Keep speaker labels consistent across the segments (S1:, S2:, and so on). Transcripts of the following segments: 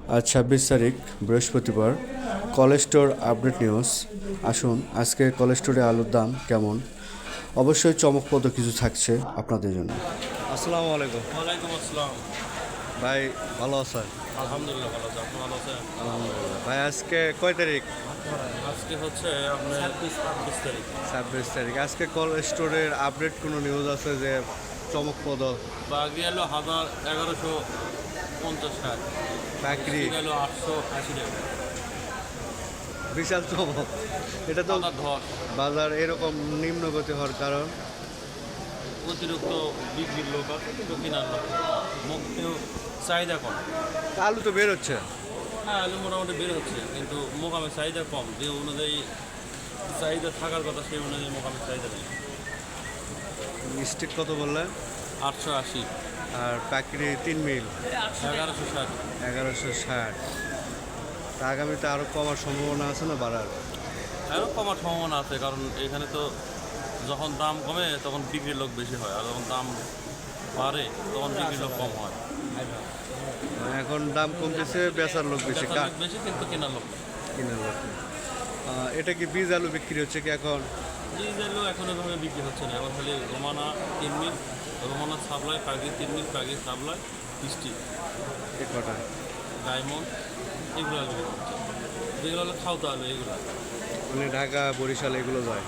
S1: আজ 26 তারিখ বৃহস্পতিবার। College store update news. আসুন আজকে কলেজ স্টোরে আলুর দাম কেমন, অবশ্যই চমকপ্রদ কিছু থাকছে আপনাদের জন্য। আসসালামু আলাইকুম।
S2: ওয়ালাইকুম আসসালাম।
S1: ভাই ভালো আছেন?
S2: আলহামদুলিল্লাহ ভালো আছি। আপনি ভালো আছেন?
S1: আলহামদুলিল্লাহ। ভাই আজকে কয় তারিখ?
S2: আজকে হচ্ছে আপনার 26 তারিখ।
S1: 26 তারিখ। আজকে কলেজ স্টোরের আপডেট কোনো নিউজ আছে যে চমকপ্রদ?
S2: বাগি এলো 1150 টাকা।
S1: চাকরি
S2: গেল 880 টাকা।
S1: বিশাল চমক। এটা তো
S2: বাজার ধর
S1: বাজার এরকম নিম্নগতি হওয়ার কারণ
S2: অতিরিক্ত বিক্রির লোক আছে, কিন্তু কেনার লোক মুখেও চাহিদা কম।
S1: আলু তো বের হচ্ছে।
S2: হ্যাঁ, আলু মোটামুটি বের হচ্ছে, কিন্তু মোকামে চাহিদা কম। যে অনুযায়ী চাহিদা থাকার কথা সেই অনুযায়ী মোকামে চাহিদা নেই।
S1: স্টিক কত বললেন?
S2: 880।
S1: আর পাকড়ি 3 মিল
S2: 1160।
S1: 1160। তা আগামীতে আরও কমার সম্ভাবনা আছে না বাড়ার?
S2: আরও কমার সম্ভাবনা আছে, কারণ এখানে তো যখন দাম কমে তখন বিক্রির লোক বেশি হয়, আর যখন দাম বাড়ে তখন বিক্রির লোক কম হয়।
S1: এখন দাম কমতেছে, বেচার লোক বেশি,
S2: বেচার লোক বেশি কিন্তু কেনার লোক নেই।
S1: কিনার লোক নেই। এটা কি বীজ আলু বিক্রি হচ্ছে কি এখন?
S2: বীজ আলু এখন এভাবে বিক্রি হচ্ছে না, এখন খালি Romana 3 mill, Romana supply, Pagi 3 mill, পাগি সাপ্লাই, বৃষ্টি,
S1: এ কটা
S2: ডায়মন্ড, এগুলো আলু বিক্রি হচ্ছে। যেগুলো হলো খাওয়া আলু এগুলো।
S1: মানে ঢাকা বরিশাল এগুলো যায়।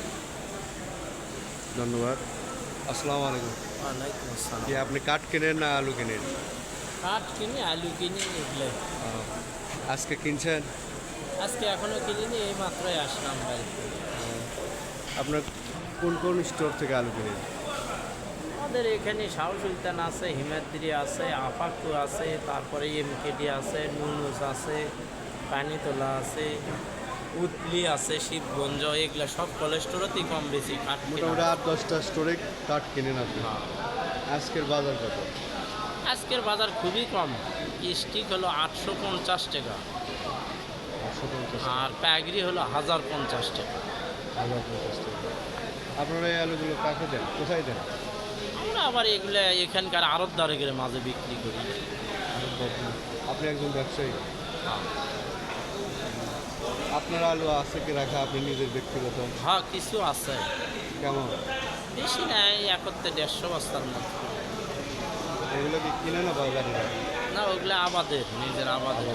S1: ধন্যবাদ। আসসালামু আলাইকুম।
S3: ওয়ালাইকুম আসসালাম।
S1: কি আপনি কাঠ কেনেন না আলু কেনেন?
S3: কাঠ কিনি, আলু কিনি, এগুলো
S1: আজকে কিনছেন?
S3: আজকে এখনো কিনিনি, এই মাত্রই আসলাম বাড়িতে।
S1: আপনার কোন কোন স্টোর থেকে আলু কিনেন?
S3: আমাদের এখানে শাহ সুলতান আছে, হিমাদ্রি আছে, আপাকু আছে, তারপরে এমকেডি আছে, নুনুস আছে, পানিতোলা আছে, উতলি আছে, শিবগঞ্জ, এগুলো সব কোলেস্টোরতেই কম বেশি কাঠ কেনা
S1: মোটামুটি
S3: হয়।
S1: 8-10টা স্টোরে কাঠ কিনেন আপনি।
S3: হ্যাঁ।
S1: আজকের বাজার কত?
S3: আজকের বাজার খুবই কম। স্টিক হলো 850 টাকা,
S1: 850
S3: আর প্যাগরি হলো 1050 টাকা।
S1: 1050 টাকা। আপনারা এই আলুগুলো কাকে দেন, কোথায় দেন?
S3: আমরা আবার এগুলো এখানকার আড়তদারের মাঝে বিক্রি করি।
S1: আপনি একজন ব্যবসায়ী। আপনার আলু আছে কি রাখা আপনি নিজের ব্যক্তিগত?
S3: হ্যাঁ, কিছু আছে,
S1: কেমন?
S3: বেশি নাই, একত্রে 150 বস্তার মতো।
S1: এগুলো কি কিনে না বাজারে?
S3: না, ওগুলো আবাদের, নিজের আবাদের।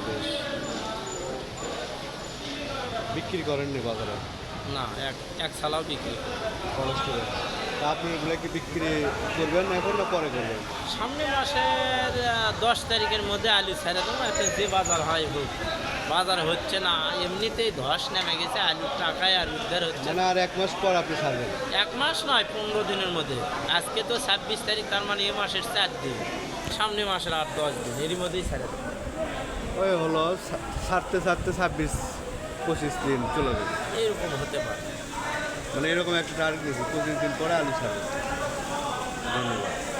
S1: বিক্রি করেননি বাজারে?
S3: না, এক এক ছালাও বিক্রি করি।
S1: কলেজ করে। তা আপনি এগুলো কি বিক্রি করবেন এখন না পরে করবেন?
S3: সামনে মাসের 10 তারিখের মধ্যে আলু ছেড়ে দেবো, এখন যে বাজার হয় হোক। বাজার হচ্ছে না, এমনিতেই ধস নেমে গেছে, আলুর টাকায় আর উদ্ধার হচ্ছে
S1: মানে
S3: না।
S1: আর 1 মাস পর আপনি ছাড়বেন?
S3: 1 মাস নয়, 15 দিনের মধ্যে। আজকে তো 26 তারিখ, তার মানে এ মাসের 4 দিন, সামনে মাসের 8-10 দিন, এরই মধ্যেই ছেড়ে দেবো।
S1: ওই হলো ছাড়তে ছাড়তে 26-25 দিন চলে যাবে।
S3: এইরকম হতে পারে।
S1: মানে এরকম একটা টার্গেট নিয়েছি, 25 দিন পরে আলু ছাড়বে। ধন্যবাদ।